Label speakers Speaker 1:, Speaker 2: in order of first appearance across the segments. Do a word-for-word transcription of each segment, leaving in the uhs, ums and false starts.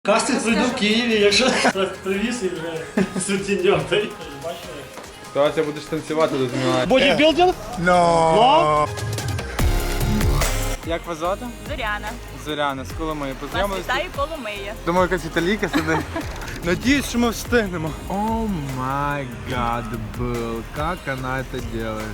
Speaker 1: Кастинг прийду в Києві, якщо привіз і вже сутіньок. Бачили?
Speaker 2: Давайте будеш танцювати тут Мілані.
Speaker 1: Бодібілдинг?
Speaker 2: No. Як вас звати?
Speaker 3: Зоряна.
Speaker 2: Зоряна, з Коломиї. Познайомилися?
Speaker 3: Вітаю Коломия.
Speaker 2: Думаю, якась італійка сидить. Надіюсь, що ми встигнемо. О май гад, Билл, як вона це робить?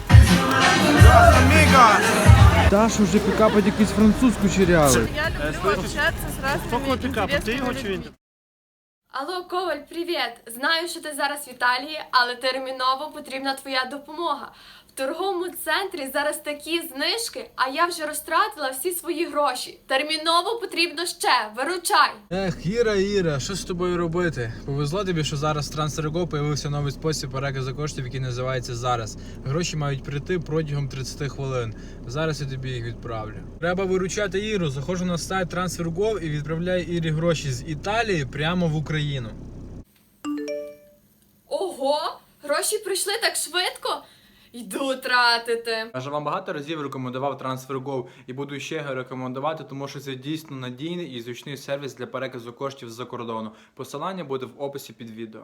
Speaker 2: Даша вже пікапить якийсь французьку черявий.
Speaker 3: Я люблю общаться с разными интересными людьми.
Speaker 4: Алло, Коваль, привіт! Знаю, що ти зараз в Італії, але терміново потрібна твоя допомога. В торговому центрі зараз такі знижки, а я вже розтратила всі свої гроші. Терміново потрібно ще, виручай!
Speaker 5: Ех, Іра, Іра, що з тобою робити? Повезло тобі, що зараз в TransferGo появився новий спосіб переказу коштів, який називається «Зараз». Гроші мають прийти протягом тридцять хвилин. Зараз я тобі їх відправлю. Треба виручати Іру. Заходжу на сайт TransferGo і відправляю Ірі гроші з Італії прямо в Україну.
Speaker 4: Ого! Гроші прийшли так швидко? Йду тратити.
Speaker 2: Я ж вам багато разів рекомендував TransferGo і буду ще його рекомендувати, тому що це дійсно надійний і зручний сервіс для переказу коштів з-за кордону. Посилання буде в описі під відео.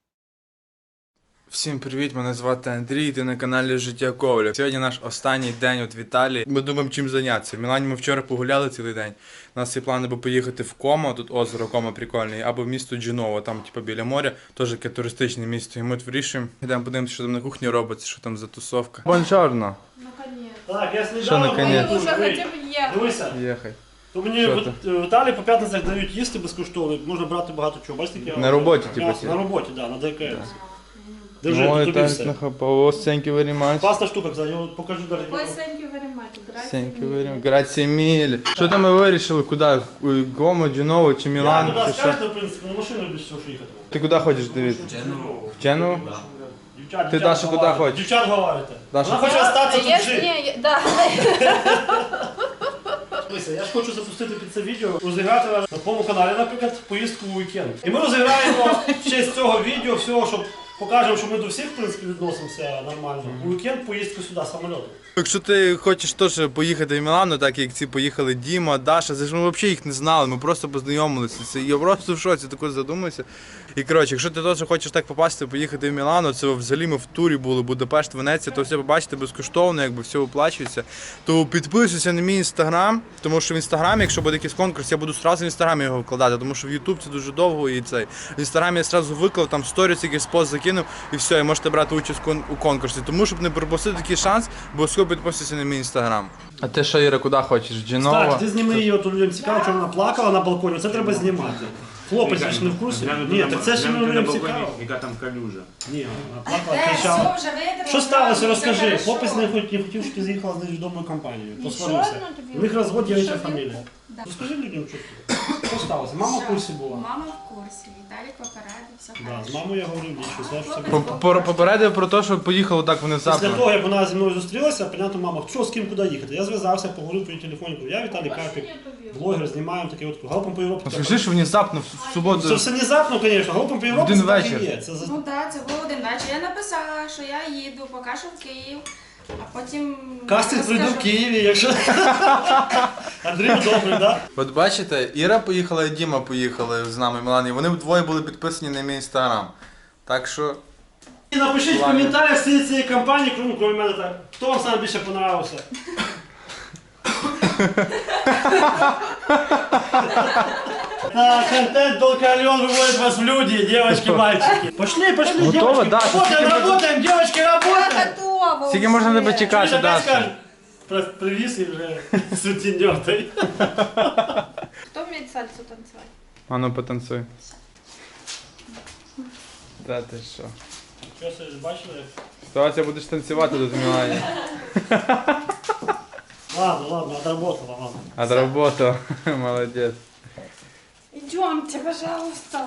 Speaker 2: Всім привіт, мене звати Андрій, ти на каналі Життя Коваля. Сьогодні наш останній день от в Італії. Ми думаємо, чим зайнятися. В Мілані ми вчора погуляли цілий день. У нас є плани або поїхати в Комо, тут озеро Комо прикольне, або в місто Дженово, там типу біля моря, теж таке туристичне місто. І ми тут вирішуємо, йдемо подивимося, що там на кухні робиться, що там за тусовка. Бонжорно.
Speaker 1: Так, я слідав.
Speaker 2: Що наконець?
Speaker 3: Уже хотя бы ехать.
Speaker 1: Дивися,
Speaker 2: Їхай.
Speaker 1: то мені
Speaker 2: Що
Speaker 1: в, в Італії по п'ятницях дають їсти безкоштовно, можна брати багато чого. Бачите, як я
Speaker 2: На роботі,
Speaker 1: м'ясо.
Speaker 2: типу, ці?
Speaker 1: На роботі, так, да, на ДКС. Держи,
Speaker 2: Ой,
Speaker 1: тобі
Speaker 2: так
Speaker 1: все.
Speaker 2: нахапав. Thank you very much.
Speaker 1: Класна штука, кстати, я покажу далі.
Speaker 3: Ой, thank you very much.
Speaker 2: Thank you very much. Grazie mille. Що там ми вирішили, куди? Гомо, Дженово чи
Speaker 1: Я
Speaker 2: Мілан?
Speaker 1: туди
Speaker 2: Чи що?
Speaker 1: скажете, в принципі, на машину більше всього, що їхати.
Speaker 2: Ти куди хочеш дивитися? В Дженову?
Speaker 1: Дівчат,
Speaker 2: Ти,
Speaker 1: дівчат
Speaker 2: Даша, куди
Speaker 1: говорите.
Speaker 2: хочеш?
Speaker 1: Дівчат говорите.
Speaker 2: Даша,
Speaker 1: Вона хоче остатися тут
Speaker 3: Я,
Speaker 1: жити.
Speaker 3: не, да.
Speaker 1: Дивися, я ж хочу запустити під це відео, розіграти на твоєму каналі, наприклад, поїздку у вікенд. І ми розіграємо в честь цього відео, всього, щоб покажемо, що ми до всіх, в принципі, відносимося нормально. У вікенд поїздку сюди, самольотом.
Speaker 2: якщо ти хочеш теж поїхати в Мілану, так як ці поїхали Діма, Даша, це ж ми взагалі їх не знали, ми просто познайомилися. Це, я просто в шоці також задумався. І коротше, якщо ти теж хочеш так попасти, поїхати в Мілану, це взагалі ми в турі були, Будапешт, Венеція, то все побачите безкоштовно, якби все оплачується. То підписуйся на мій інстаграм, тому що в інстаграмі, якщо буде якийсь конкурс, я буду одразу в інстаграмі його вкладати, тому що в Ютуб це дуже довго і цей. В інстаграмі я одразу виклав, там сторіс, якийсь пост закинув і все, і можете брати участь у конкурсі. Тому, щоб не пропустити такий шанс, обов'язково підписуйся на мій інстаграм. А ти що, Іра, куди хочеш? Дженова?
Speaker 1: Так, ти зніми її, от людям цікаво, що вона плакала на балконі, це треба знімати. Хлопець, ви ж не в курсі? Ні, так це ж не людям цікаво.
Speaker 6: Яка там калюжа?
Speaker 1: Ні, вона плакала, кричала. Що сталося, розкажи. Хлопець не хотів, не хотів, щоб ти з'їхала з невідомою компанією. Посварився. У них розвод, дівча фамілія. Розкажи людям, що ти. Що сталося? Мама в курсі була?
Speaker 7: Мама в курсі, Віталік попередив, все
Speaker 1: Да,
Speaker 7: хорошо.
Speaker 1: з мамою я говорив більше, все ж це
Speaker 2: По-
Speaker 1: було.
Speaker 2: по- Попередив про те, що поїхало так
Speaker 1: Після
Speaker 2: внезапно.
Speaker 1: того, як вона зі мною зустрілася, понятно, мама, що з ким куди їхати. Я зв'язався, поговорив по її телефоні, кажу, я Віталій Карпік, блогер, знімаємо таке от галопом по Європі.
Speaker 2: Скажи, що внезапно в суботу.
Speaker 1: Це все внезапно, звісно, галопом по Європі
Speaker 2: Один
Speaker 1: це так і
Speaker 2: вечір.
Speaker 1: є. Це за-
Speaker 7: Ну так, це був один вечір. Я написала, що я їду, поки що в Київ, а потім...
Speaker 1: Кастинг прийду в
Speaker 7: розкажу.
Speaker 1: Києві, якщо... Андрій добрий, так?
Speaker 2: От бачите, Іра поїхала і Діма поїхали з нами в Мілані. Вони вдвоє були підписані на мій інстаграм. Так що.
Speaker 1: І напишіть в коментарях всі цієї компанії, крім крім мене так, хто вам саме більше понравився. Так, контент Долкальон выводит вас в люди, девочки, мальчики. Пошли, пошли,
Speaker 2: Готово,
Speaker 1: девочки.
Speaker 2: да,
Speaker 1: Работаем,
Speaker 2: скільки
Speaker 1: работаем, девочки,
Speaker 7: Я
Speaker 1: работаем.
Speaker 7: готова
Speaker 2: Скільки
Speaker 7: вже.
Speaker 2: можна тебе
Speaker 1: Чуєш,
Speaker 2: чекати,
Speaker 1: опять
Speaker 2: Даша?
Speaker 1: скажеш? Про- Привіз і вже сутіньок.
Speaker 3: Кто умеет сальсу танцевать?
Speaker 2: А ну потанцуй. Та ти що?
Speaker 1: Що ж бачили?
Speaker 2: Давайте будеш танцювати тут в Мілані.
Speaker 1: Ладно, ладно, отработала, ладно.
Speaker 2: Отработав. Молодець.
Speaker 3: Идемте, пожалуйста.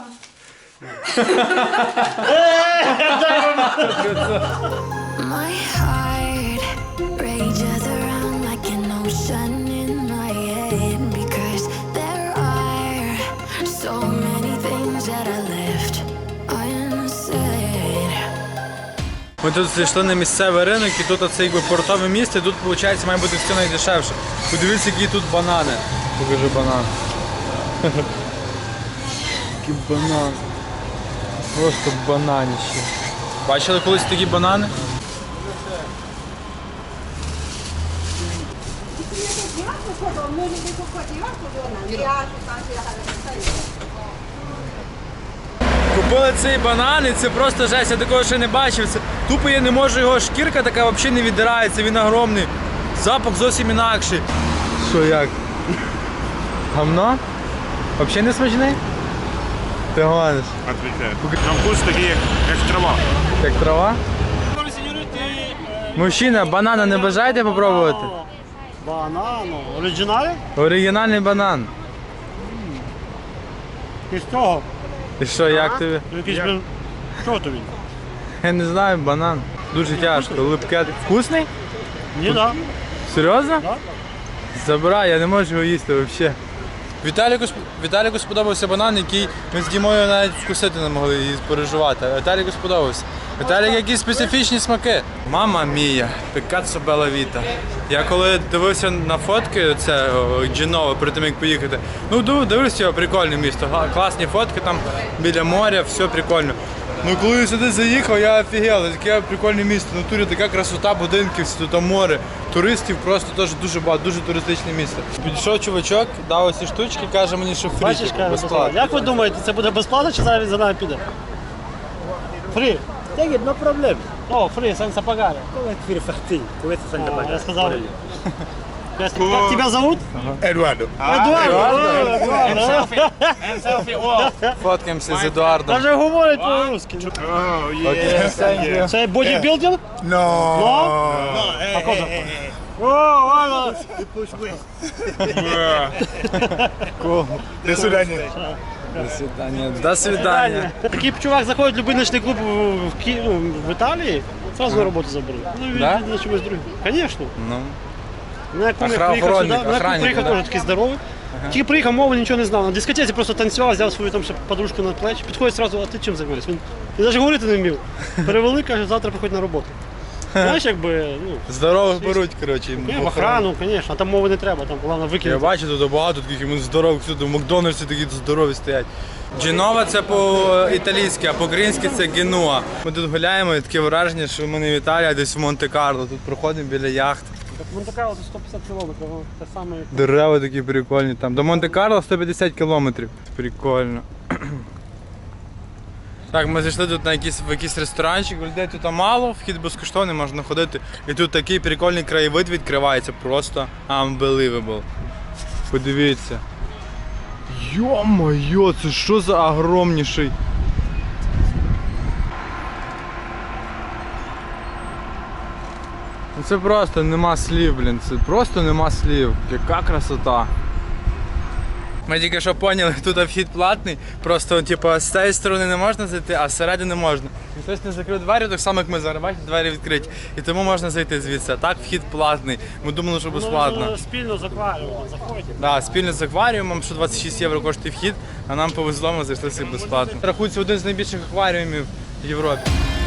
Speaker 8: My heart rages around like an ocean in my head because there are so many things that I left unsaid.
Speaker 2: Ми тут зайшли на місцевий ринок і тут оце якби портове місце, і тут виходить має бути все найдешевше. Подивіться, які тут банани. Покажи банан. Який банан. Просто бананище. Бачили колись такі банани? Купили цей банан і це просто жесть, я такого ще не бачив. Це тупо я не можу його, шкірка така взагалі не віддирається, він огромний. Запах зовсім інакший. Що як? Гамно? Взагалі не смачний? Ти гониш.
Speaker 6: Отвечаю. На вкус такий, як, як трава.
Speaker 2: Як трава? Мужчина, банана не бажаєте попробувати?
Speaker 1: Банану. Оригіналі?
Speaker 2: Оригінальний банан.
Speaker 1: І з цього?
Speaker 2: І що, як тобі?
Speaker 1: Якийсь, блін, що тобі?
Speaker 2: Я не знаю, банан. Дуже тяжко, липке. Вкусний?
Speaker 1: Ні, так.
Speaker 2: Серйозно?
Speaker 1: Да.
Speaker 2: Забирай, я не можу його їсти взагалі. Віталіку, сп- Віталіку сподобався банан, який ми з Дімою навіть вкусити не могли і переживати. А Віталіку сподобався. Віталік, якісь специфічні смаки. Мама мія, Пікассо Белла Віта. Я коли дивився на фотки, це о, Дженово, перед тим як поїхати, ну див- дивився його, прикольне місто, га- класні фотки там біля моря, все прикольно. Ну коли я сюди заїхав, я офігел, таке прикольне місто, в натурі така красота, будинків, всі тут море, туристів просто теж дуже багато, дуже туристичне місто. Підійшов чувачок, дав оці штучки, каже мені, що фрі,
Speaker 1: Бачиш,
Speaker 2: типу,
Speaker 1: каже,
Speaker 2: безплатно.
Speaker 1: як ви думаєте, це буде безплатно чи зараз він за нами піде? Фрі.
Speaker 9: Take it, no problem.
Speaker 1: О, фрі, senza pagare.
Speaker 9: Come free farting? Questo senza
Speaker 1: О, я
Speaker 9: pagare.
Speaker 1: сказав. Как тебя зовут?
Speaker 6: Едуардо.
Speaker 1: Эдуард. Эдуард.
Speaker 2: Фоткаємося з Едуардом.
Speaker 1: Даже говорить по-русски.
Speaker 2: Окей, thank you.
Speaker 1: Це бодібілдинг?
Speaker 6: No.
Speaker 1: No? А кого? О, ладно.
Speaker 6: До свидання.
Speaker 2: До свидання. До свидання.
Speaker 1: Такий чувак заходить в будь-який ночний клуб в, Ки... ну, в Італії, сразу на роботу заберуть. Ну, він
Speaker 2: Да?
Speaker 1: на чомусь другим. Звісно.
Speaker 2: Ну.
Speaker 1: Мене кум як
Speaker 2: Охра-
Speaker 1: приїхав сюди,
Speaker 2: охранник,
Speaker 1: мене кум
Speaker 2: охранник,
Speaker 1: приїхав
Speaker 2: да?
Speaker 1: теж такий здоровий. Тільки приїхав, мови нічого не знав. На дискотеці просто танцював, взяв свою там ще подружку на плечі. Підходить одразу, а ти чим займаєшся? Він, він навіть говорити не вмів. Перевели, каже, завтра приходь на роботу. Знаєш, якби, ну,
Speaker 2: Здорових беруть, коротше. їм
Speaker 1: в охрану, звісно, а там мови не треба, там головне
Speaker 2: Я
Speaker 1: викинути.
Speaker 2: бачу тут багато таких йому здорових, всюди в Макдональдсі такі здорові стоять. Дженова це по-італійськи, а по-українськи це Генуа. Ми тут гуляємо і таке враження, що ми не в Італії, а десь в Монте-Карло. Тут проходимо біля яхт.
Speaker 1: Так Монте-Карло це сто п'ятдесят кілометрів, ну, те саме. як-
Speaker 2: Дерева такі прикольні там. До Монте-Карло сто п'ятдесят кілометрів. Прикольно. Так, ми зайшли тут на якийсь, в якийсь ресторанчик, людей тут мало, вхід безкоштовний, можна ходити. І тут такий прикольний краєвид відкривається, просто unbelievable. Подивіться. Йо-моє, це що за огромніший? Ну, це просто нема слів, блін, це просто нема слів. Яка красота. Ми тільки що поняли, тут вхід платний, просто типу, з цієї сторони не можна зайти, а зсередини можна. І хтось не закрив двері, так само як ми зараз, бачите, двері відкриті. І тому можна зайти звідси. А так вхід платний. Ми думали, що безплатно.
Speaker 1: Ну, спільно з акваріумом заходите.
Speaker 2: Да, спільно з акваріумом, що двадцять шість євро коштує вхід, а нам повезло, ми зайшли собі безплатно. Рахується один з найбільших акваріумів в Європі.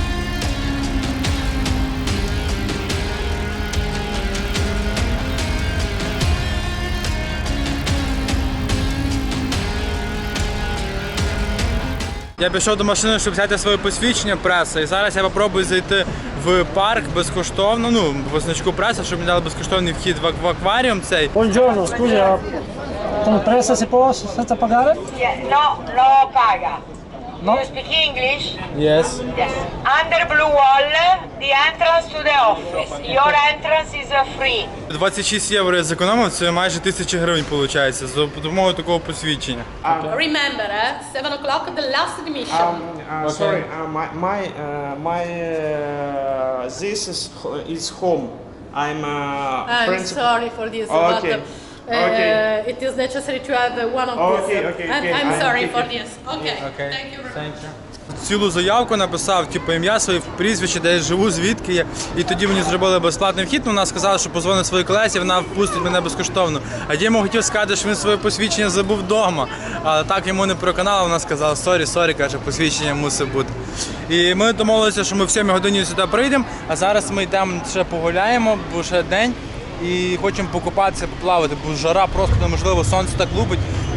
Speaker 2: Я пішов до машини, щоб взяти своє посвідчення преса, і зараз я спробую зайти в парк безкоштовно, ну, по значку преса, щоб мені дали безкоштовний вхід в, ак- в акваріум цей.
Speaker 1: Buongiorno, scusi, ah, con pressa si può senza pagare?
Speaker 10: Yeah, no, no paga.
Speaker 1: No?
Speaker 10: You speak English?
Speaker 2: Yes.
Speaker 10: Yes. Under blue wall, the entrance to the office. Your entrance is uh, free.
Speaker 2: двадцять шість євро я зекономив, це майже тисяча гривень виходить, за допомогою такого посвідчення.
Speaker 11: Remember, eh? seven o'clock, the last admission.
Speaker 12: Uh, Sorry, uh, my my uh, my uh, this is ho- is home. I'm uh,
Speaker 11: I'm
Speaker 12: principal.
Speaker 11: sorry for this,
Speaker 12: Okay.
Speaker 11: but uh,
Speaker 12: Okay.
Speaker 11: it is necessary to have uh, one of
Speaker 12: Okay,
Speaker 11: these.
Speaker 12: okay,
Speaker 11: I'm,
Speaker 12: okay.
Speaker 11: I'm
Speaker 12: I'm
Speaker 11: sorry
Speaker 12: taking-
Speaker 11: for this. Okay. Thank you very much.
Speaker 2: Цілу заявку написав, типу ім'я своє, прізвище, де я живу, звідки я. І тоді мені зробили безплатний вхід, ну, вона сказала, що позвонить своїй колесі, вона впустить мене безкоштовно. А Діма хотів сказати, що він своє посвідчення забув вдома. Але так йому не проканала, вона сказала, сорі, сорі, каже, посвідчення мусить бути. І ми домовилися, що ми в сьомій годині сюди прийдемо, а зараз ми йдемо ще погуляємо, бо ще день. І хочемо покупатися, поплавати, бо жара просто неможливо, сонце так лупить,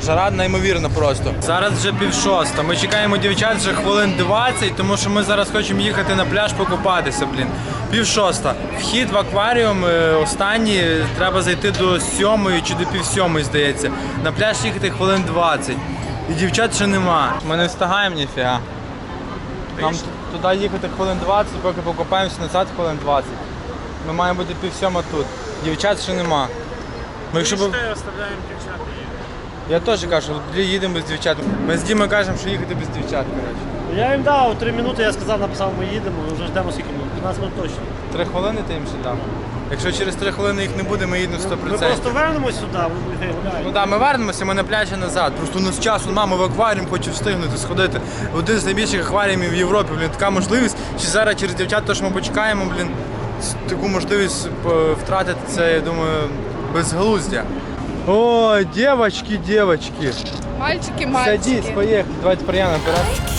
Speaker 2: жара неймовірна просто. Зараз вже пів шоста. Ми чекаємо дівчат вже хвилин двадцять, тому що ми зараз хочемо їхати на пляж покупатися, блін. Пів шоста. Вхід в акваріум е, останній, треба зайти до сьомої чи до пів сьомої, здається. На пляж їхати хвилин двадцять. І дівчат ще нема. Ми не встигаємо ніфіга. Нам туди їхати хвилин двадцять, поки покупаємося назад хвилин двадцять. Ми маємо бути пів сьома тут. Дівчат ще нема. Ми якщо б...
Speaker 6: оставляємо дівчат.
Speaker 2: Я теж кажу, тоді їдемо без дівчат. Ми з Дімою кажемо, що їхати без дівчат, коротше.
Speaker 1: Я їм дав три минути, я сказав, написав, ми їдемо, ми вже ждемо скільки минут. п'ятнадцять минут точно.
Speaker 2: Три хвилини ти їм ще дав? Якщо через три хвилини їх не буде, ми їдемо сто
Speaker 1: Ми
Speaker 2: процентів.
Speaker 1: просто вернемось сюди, вони будуть хай гуляють.
Speaker 2: Ну так, ми вернемося, ми на пляжі назад. Просто у нас часу, мама в акваріум хоче встигнути, сходити. Один з найбільших акваріумів в Європі, блін, така можливість. Чи зараз через дівчат, то що ми почекаємо, блін, таку можливість втратити, це, я думаю, безглуздя. О, девочки, девочки.
Speaker 3: Мальчики, мальчики.
Speaker 2: Садись, поехали. Давайте прямо наперед.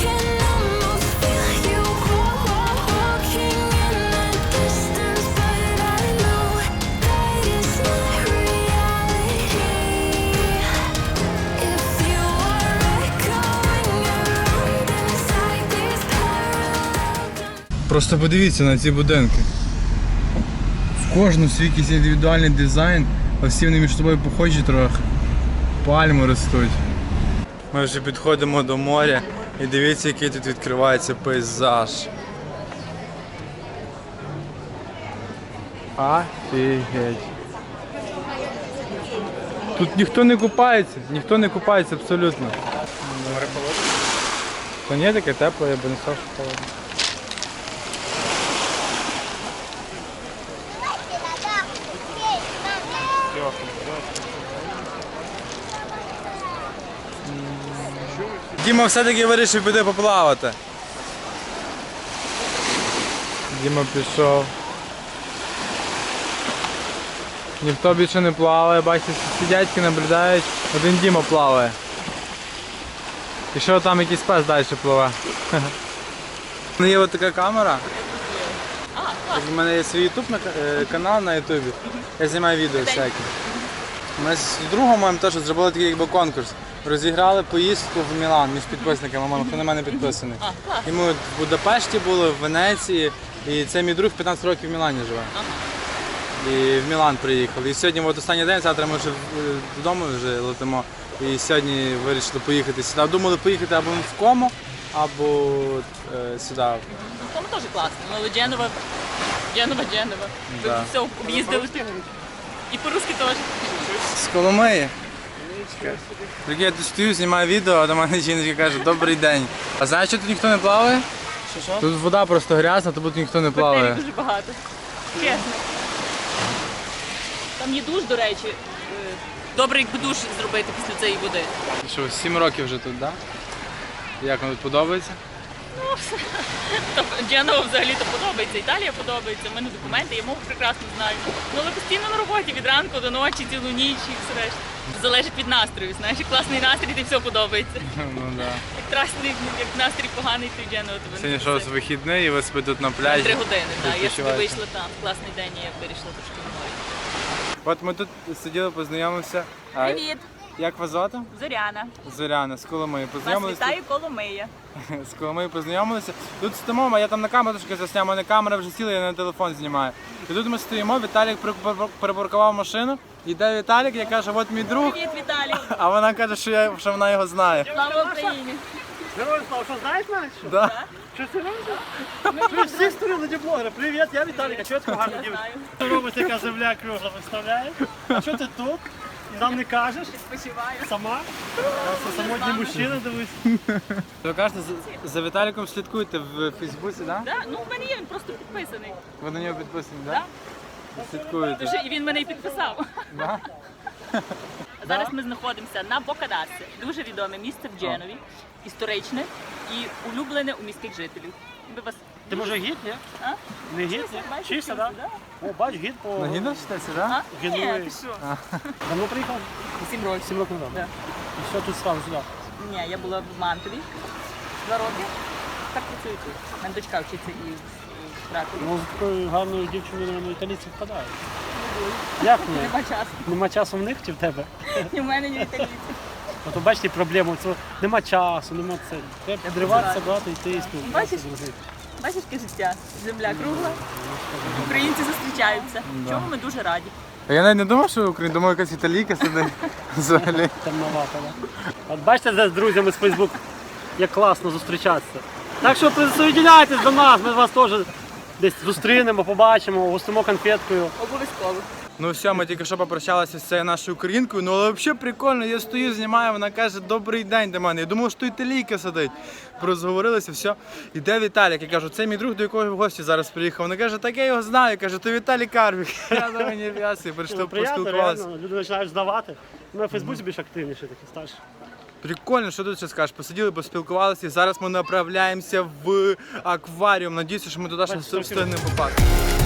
Speaker 2: Просто подивіться на ці будинки. В кожному свій якийсь індивідуальний дизайн, а всі вони між собою похожі трохи. Пальми ростуть. Ми вже підходимо до моря і дивіться, який тут відкривається пейзаж. Офігеть. Тут ніхто не купається, ніхто не купається абсолютно. Море холодне? Та ні, таке тепле, я б не сказав, що холодне. Діма все-таки вирішив піти поплавати. Діма пішов. Ніхто більше не плаває, бачите, всі дядьки наблюдають, один Діма плаває. І що там якийсь пес далі пливе. У мене є ось така камера. У мене є свій ютуб канал на ютубі. Я знімаю відео всякі. Ми з другом моїм теж зробили такий якби конкурс. Розіграли поїздку в Мілан між підписниками, хто на мене підписаний. І ми в Будапешті були, в Венеції, і це мій друг п'ятнадцять років в Мілані живе. І в Мілан приїхали. І сьогодні от останній день, завтра ми вже додому вже летимо. І сьогодні вирішили поїхати сюди. Думали поїхати або в Комо, або е, сюди.
Speaker 11: Комо теж класно, але Дженова, Дженова, Дженова.
Speaker 2: Да.
Speaker 11: Все, об'їздили. І по-русски теж.
Speaker 2: З Коломиї. Прикинь, я тут стою, знімаю відео, а до мене жінка каже, добрий день. А знаєш, що тут ніхто не плаває?
Speaker 1: Що, що?
Speaker 2: Тут вода просто грязна, то тут ніхто не плаває.
Speaker 11: Бактерій дуже багато. Чесно. Там є душ, до речі. Добре, якби душ зробити після цієї води.
Speaker 2: Що, сім років вже тут, так? Да? Як вам тут подобається?
Speaker 11: Ну, Дженова взагалі-то подобається, Італія подобається, в мене документи, я мову прекрасно знаю. Ну, але постійно на роботі, від ранку до ночі, цілу ніч і все решта. Залежить від настрою, знаєш, як класний настрій, то все подобається.
Speaker 2: Ну, да.
Speaker 11: Як трасний, як настрій поганий, то Дженова тебе не
Speaker 2: Сьогодні що, з вихідний і ви спите тут на пляжі?
Speaker 11: Три години, так. Я собі
Speaker 2: відпочиваєте.
Speaker 11: вийшла там, класний день, і я вирішила трошки в морі.
Speaker 2: От ми тут сиділи, познайомилися. А
Speaker 11: Привіт,
Speaker 2: як вас звати?
Speaker 11: Зоряна.
Speaker 2: Зоряна, з Коломиї.
Speaker 11: Вас
Speaker 2: Познайомилися.
Speaker 11: вітаю Коломия.
Speaker 2: З Коломиї познайомилися. Тут стоїмо, а я там на камеру трошки засняв, у мене камера вже сіла, я на телефон знімаю. І тут ми стоїмо, Віталік припар- припаркував машину, йде Віталік, я кажу, от мій друг,
Speaker 11: Привіт, Віталій.
Speaker 2: а вона каже, що, я, що вона його знає.
Speaker 11: Слава Україні.
Speaker 1: Герой слава, що знаєш мене? Що?
Speaker 2: Да.
Speaker 1: Що серйозно? Ви всі сторони на блогера. Привіт, я Віталік, а чого ти гарно дівчинка? Що робить така земля кругла, представляєш? А що ти тут? І нам не кажеш?
Speaker 11: Відпочиваю.
Speaker 1: Сама? Це самотній мужчина, дивись.
Speaker 2: Ви кажете, за- за Віталіком слідкуєте в Фейсбуці, так? Да?
Speaker 11: Да? Ну, в мене є, він просто підписаний.
Speaker 2: Ви на нього підписані, так? Да? Слідкуєте.
Speaker 11: Дуже, і він мене і підписав.
Speaker 2: Да?
Speaker 11: Зараз ми знаходимося на Бокадасі. Дуже відоме місце в Дженові, історичне і улюблене у міських жителів. Ми вас...
Speaker 1: Ти може гід, ні?
Speaker 11: А?
Speaker 1: Не гід, ні?
Speaker 11: Бачиш,
Speaker 1: Вчишся, так?
Speaker 11: да?
Speaker 1: О, бач, гід по...
Speaker 2: На гідно вчитеся,
Speaker 11: А?
Speaker 2: так?
Speaker 11: Ні,
Speaker 1: Гідує.
Speaker 11: ти що?
Speaker 1: Давно приїхав?
Speaker 11: Сім років.
Speaker 1: Сім років назад.
Speaker 11: Да.
Speaker 1: І що тут стало сюди?
Speaker 11: Ні, я була в Мантові два роки. Так працюю тут. У мене дочка вчиться і в Кракові.
Speaker 1: Ну, з такою гарною дівчиною, на італійці впадають. Як ні?
Speaker 11: Нема часу.
Speaker 1: Нема часу в них чи в тебе?
Speaker 11: Ні в мене, ні в італійці.
Speaker 9: От бачите проблему, це нема часу, нема це. Треба підриватися, брати, йти і спілкуватися.
Speaker 11: Бачиш? Бачиш, яке життя? Земля кругла, українці зустрічаються. Чому ми дуже раді.
Speaker 2: А я навіть не думав, що Україна, думаю, якась італійка сидить взагалі.
Speaker 9: Темновато, да? От бачите, де з друзями з Фейсбук, як класно зустрічатися. Так що присоединяйтесь до нас, ми вас теж десь зустрінемо, побачимо, гостимо конфеткою.
Speaker 11: Обов'язково.
Speaker 2: Ну все, ми тільки що попрощалися з цією нашою українкою, ну але взагалі прикольно, я стою, знімаю, вона каже, добрий день до мене. Я думав, що італійка сидить. Розговорилися, все. Іде Віталік, я кажу, це мій друг, до якого в гості зараз приїхав. Вона каже, так я його знаю, я кажу, то Віталій Карпік. Я думаю, не в'ясі, прийшли, поспілкувалися.
Speaker 9: Люди починають здавати. Ми на Фейсбуці більш активніші, такі старші.
Speaker 2: Прикольно, що тут ще скажеш? Посиділи, поспілкувалися, і зараз ми направляємося в акваріум. Надіюся, що ми туди ще встигнемо попасти.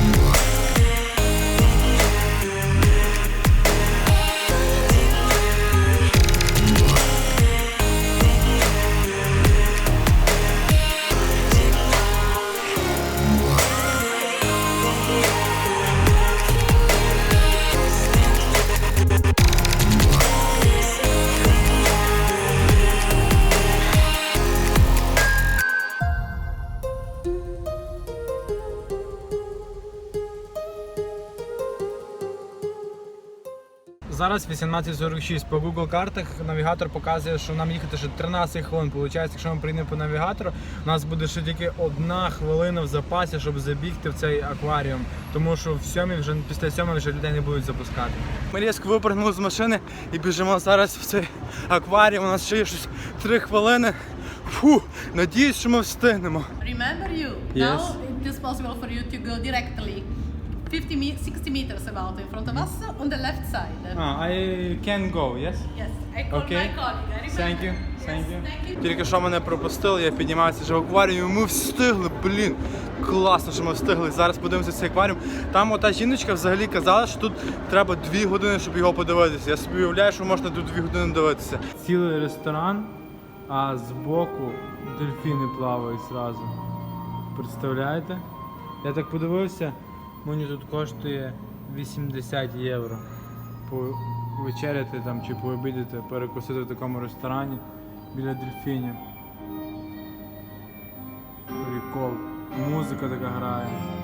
Speaker 5: Зараз вісімнадцять сорок шість. По Google картах навігатор показує, що нам їхати ще тринадцять хвилин. Получається, якщо ми прийдемо по навігатору, у нас буде ще тільки одна хвилина в запасі, щоб забігти в цей акваріум. Тому що в сьомій вже після сьомої вже людей не будуть запускати.
Speaker 2: Ми різко випрыгнули з машини і біжимо зараз в цей акваріум. У нас ще є щось три хвилини. Фу, надіюсь, що ми встигнемо.
Speaker 13: Remember you.
Speaker 2: Yes.
Speaker 13: Now it is possible for you to go directly fifty me sixty meters about in front of us on the left side.
Speaker 2: Ah, I can go, yes?
Speaker 13: Yes, I call
Speaker 2: Okay.
Speaker 13: my colleague. I remember.
Speaker 2: Thank you. Thank you.
Speaker 13: Thank you.
Speaker 2: Тільки що мене пропустили, я піднімався вже в акваріумі, ми встигли, блін. Класно, що ми встигли. Зараз подивимося цей акваріум. Там ота жіночка взагалі казала, що тут треба дві години, щоб його подивитися. Я собі уявляю, що можна тут дві години дивитися.
Speaker 5: Цілий ресторан, а збоку дельфіни плавають зразу. Представляєте? Я так подивився, мені тут коштує вісімдесят євро. Повечеряти там чи пообідати, перекусити в такому ресторані біля дельфінів. Прикол. Музика така грає.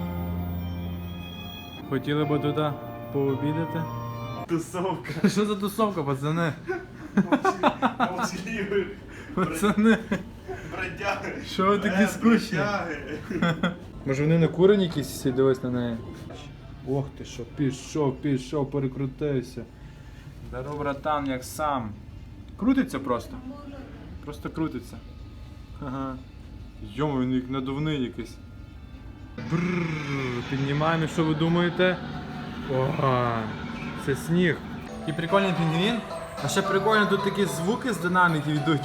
Speaker 5: Хотіли би туди пообідати?
Speaker 6: Тусовка.
Speaker 5: Що за тусовка, пацани?
Speaker 6: Молчаливі.
Speaker 5: Пацани,
Speaker 6: Бродяги.
Speaker 5: що ви такі скучні? Може вони не курені якісь всі, дивись на неї? Ох ти що, пішов, пішов, перекрутився. Здоров, братан, як сам. Крутиться просто. Просто крутиться. Ага. Йому, він як надувний якийсь. Брррр, піднімаємо, що ви думаєте? Ого, це сніг. І прикольний пінгвін. А ще прикольно, тут такі звуки з динаміків йдуть.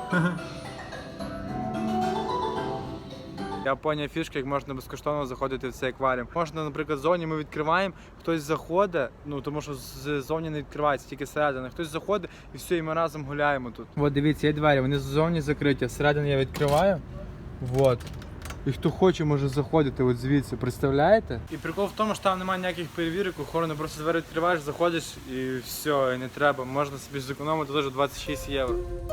Speaker 2: Я поняв фішки, як можна безкоштовно заходити в цей акваріум. Можна, наприклад, ззовні ми відкриваємо, хтось заходить, ну тому що ззовні не відкривається, тільки зсередини. Хтось заходить і все, і ми разом гуляємо тут.
Speaker 5: От дивіться, є двері, вони ззовні закриті, всередині я відкриваю. Вот. І хто хоче, може заходити от звідси, представляєте? І прикол в тому, що там немає ніяких перевірок, охорони, просто двері відкриваєш, заходиш і все, і не треба. Можна собі зекономити теж двадцять шість євро.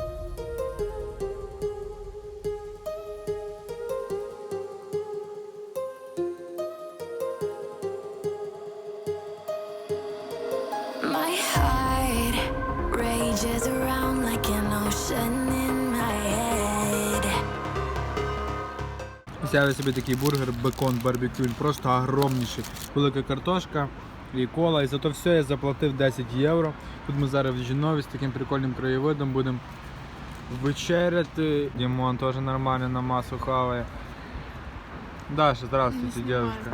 Speaker 8: My heart rages around like an ocean in my head.
Speaker 5: Взяли собі такий бургер, бекон, барбекю, він просто огромніший. Велика картошка і кола, і за то все я заплатив десять євро. Тут ми зараз в Жінові з таким прикольним краєвидом будемо вечеряти. Дімон теж нормально на масу хаває. Даша, здравствуйте, девушка.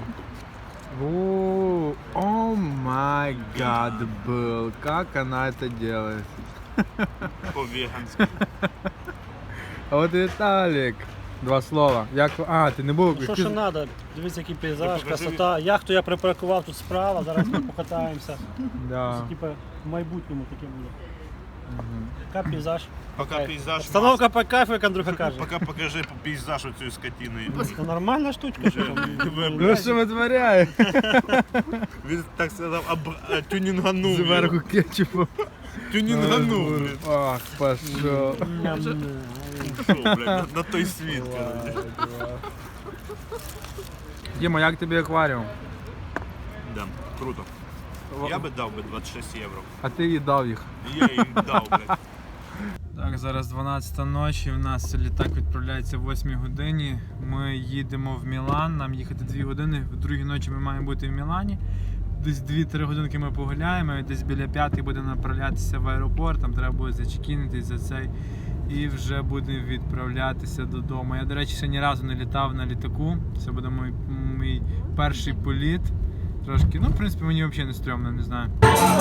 Speaker 5: О май гад, был, как она это делает?
Speaker 6: По-веганськи.
Speaker 5: А от Віталік. Два слова. Як... А, ти не був?
Speaker 9: Ну, що ще треба? Дивіться, який пейзаж, красота. Яхту я припаркував тут справа, зараз ми покатаємося.
Speaker 5: Да.
Speaker 9: Це типу в майбутньому таке буде. Яка пейзаж?
Speaker 6: Пока пейзаж.
Speaker 9: Обстановка по кайфу, як Андрюха каже.
Speaker 6: Пока покажи пейзаж оцієї скотини.
Speaker 9: Це нормальна штучка. що там?
Speaker 5: Ну що витворяє?
Speaker 6: Він так сказав, тюнінганув.
Speaker 5: Зверху кетчупу.
Speaker 6: Тюнінганув, блін.
Speaker 2: Ах, пошел.
Speaker 6: Що, блядь, на той світ, коротше.
Speaker 2: Діма, як тобі акваріум?
Speaker 6: Да, круто. Я би дав би двадцять шість євро.
Speaker 2: А ти їй дав їх.
Speaker 6: Я їм дав, блядь.
Speaker 5: Так, зараз дванадцята ночі, у нас літак відправляється в восьмій годині. Ми їдемо в Мілан, нам їхати дві години, в другій ночі ми маємо бути в Мілані. Десь дві-три годинки ми погуляємо, і десь біля п'ятої будемо направлятися в аеропорт, там треба буде зачекінитись за цей. І вже будемо відправлятися додому. Я, до речі, ще ні разу не літав на літаку, це буде мій, мій перший політ. Трошки, ну, в принципі, мені взагалі не стрьомно, не знаю.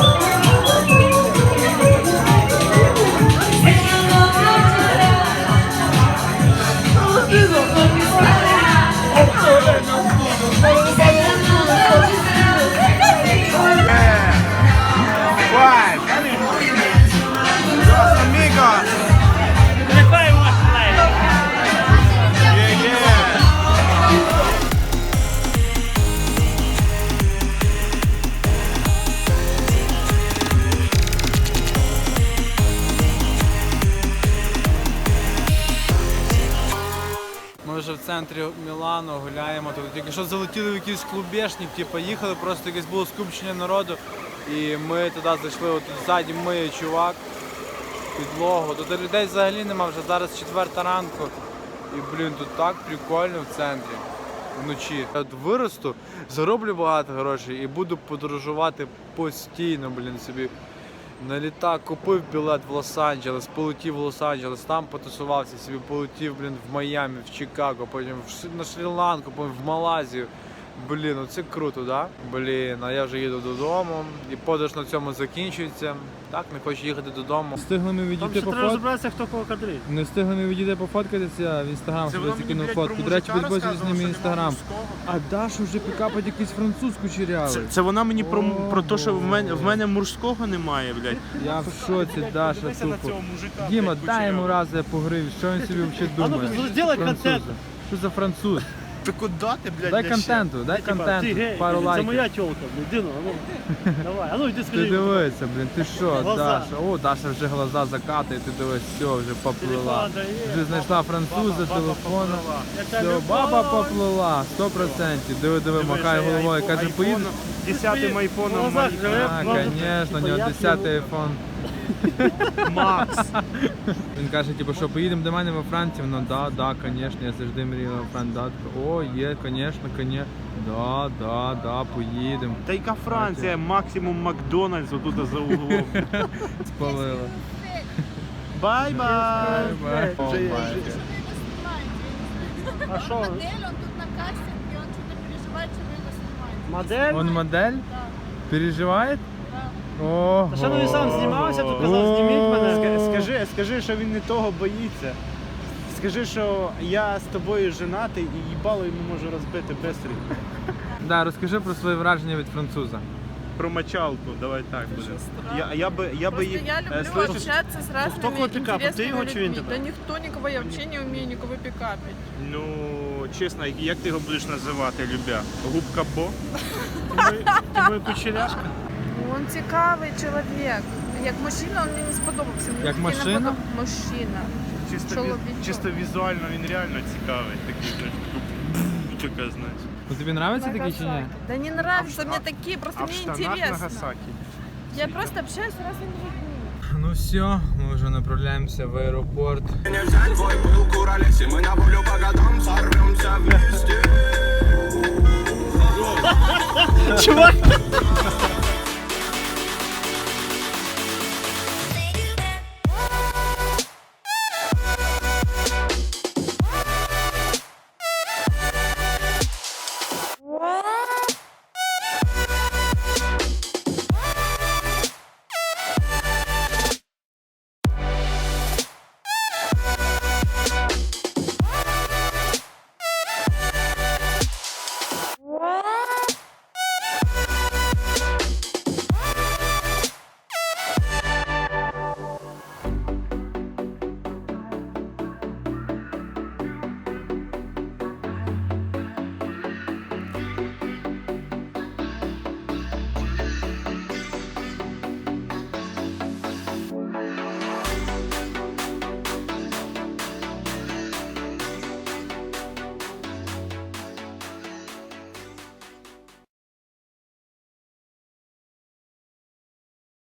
Speaker 5: Ми вже в центрі Мілану гуляємо, тут тільки що залетіли в якийсь клубешник, типу, їхали, просто якесь було скупчення народу. І ми туди зайшли, от тут ззаді миє чувак, підлогу. Тут людей взагалі нема, вже зараз четверта ранку. І, блін, тут так прикольно в центрі, вночі. Я от виросту, зароблю багато грошей і буду подорожувати постійно, блін, собі. На літак купив білет в Лос-Анджелес, полетів в Лос-Анджелес, там потусувався собі, полетів, блін, в Майамі, в Чикаго, потім в- на Шрі-Ланку, потім в Малайзію. Блін, ну це круто, да? Блін, а я вже їду додому, і подорож на цьому закінчується. Так, не хочу їхати додому. Встигли ми
Speaker 9: Там
Speaker 2: відійти
Speaker 9: ще
Speaker 2: по
Speaker 9: треба
Speaker 2: фото.
Speaker 9: розібратися, хто кого кадрить.
Speaker 2: Не встигли ми відійти пофоткатися, в інстаграм собі закинув фотку. До речі, підписуйтесь на мій інстаграм. А Даша вже пікапить якийсь французьку чирявий.
Speaker 6: Це, це вона мені про, про те, що в мене, в мене мужського немає, блядь.
Speaker 2: Я в шоці, Даша, тупо. Діма, дай йому раз я погрив, що він собі взагалі
Speaker 9: А ну,
Speaker 2: думає?
Speaker 9: зробай
Speaker 2: Французи.
Speaker 9: контент.
Speaker 2: Що за француз?
Speaker 6: Ти куди ти, блядь,
Speaker 2: Дай
Speaker 6: для
Speaker 2: контенту, дай
Speaker 9: Типа, ти
Speaker 2: контенту,
Speaker 9: гей,
Speaker 2: пару
Speaker 9: це
Speaker 2: лайків.
Speaker 9: моя тілка, блін, Діно, а ну, давай, а ну йди
Speaker 2: Ти
Speaker 9: скажи.
Speaker 2: дивися, блін, ти що,
Speaker 9: Глаза.
Speaker 2: Даша? О, Даша вже глаза закатує, ти дивись, все, вже поплила.
Speaker 9: Телефон дає,
Speaker 2: Вже знайшла француза, телефона. Все, баба поплила, сто процентів. Диви, диви, махає головою, каже, поїду.
Speaker 6: десятим айфоном
Speaker 2: А, звісно, у нього десятий айфон.
Speaker 6: Макс.
Speaker 2: Він каже, типу, що поїдемо до мене во Францію? Ну да, да, звісно, я завжди мріяв во Францію. Да, така, о, є, звісно, звісно. Да, да, да, поїдемо.
Speaker 6: Та яка Франція, максимум Макдональдс отут за углом.
Speaker 2: Спалила.
Speaker 6: Бай-бай.
Speaker 2: Бай-бай. О,
Speaker 6: Вже-
Speaker 2: бай.
Speaker 9: А що?
Speaker 13: Модель, он тут на кассе, и он что-то переживает, что вы его снимаете.
Speaker 9: Модель?
Speaker 2: Он модель? Переживає? Ого.
Speaker 9: Та ще ну він сам знімався, то казав, зніміть мене.
Speaker 6: Ска- Скажи, скажи, що він не того боїться. Скажи, що я з тобою женатий і їбало йому можу розбити пристрій.
Speaker 2: Да, розкажи про свої враження від француза.
Speaker 6: Про мочалку, давай так буде. Я, я би, я би
Speaker 3: Просто
Speaker 6: їх...
Speaker 3: я
Speaker 6: е,
Speaker 3: люблю
Speaker 6: слышиш?
Speaker 3: общаться с разными
Speaker 9: кто кого пикапит? Ты
Speaker 3: интересными
Speaker 9: его чи він
Speaker 3: людьми.
Speaker 9: тебе?
Speaker 3: Да никто никого, я вообще не умею никого пикапить.
Speaker 6: Ну, чесно, як ти його будеш називати, любя? Губка Бо?
Speaker 9: Ти моя кучеряшка.
Speaker 3: Он цікавий чоловік. Як мужчина, він мені не сподобався. Мені
Speaker 2: Як
Speaker 3: такий
Speaker 2: машина?
Speaker 3: набагато- Мужчина.
Speaker 6: Чисто,
Speaker 3: Чоловічок.
Speaker 6: віз- чисто візуально він реально цікавий. Такий, знаєш, така, знаєш.
Speaker 2: Ну, тобі подобається такий чи ні?
Speaker 3: Да не нравятся мне такие, просто
Speaker 6: А в
Speaker 3: мне
Speaker 6: штанах
Speaker 3: интересно.
Speaker 6: Нагасакі.
Speaker 3: Я просто общаюсь с разными людьми.
Speaker 2: Ну все, ми вже направляємося в аеропорт.
Speaker 9: Чувак!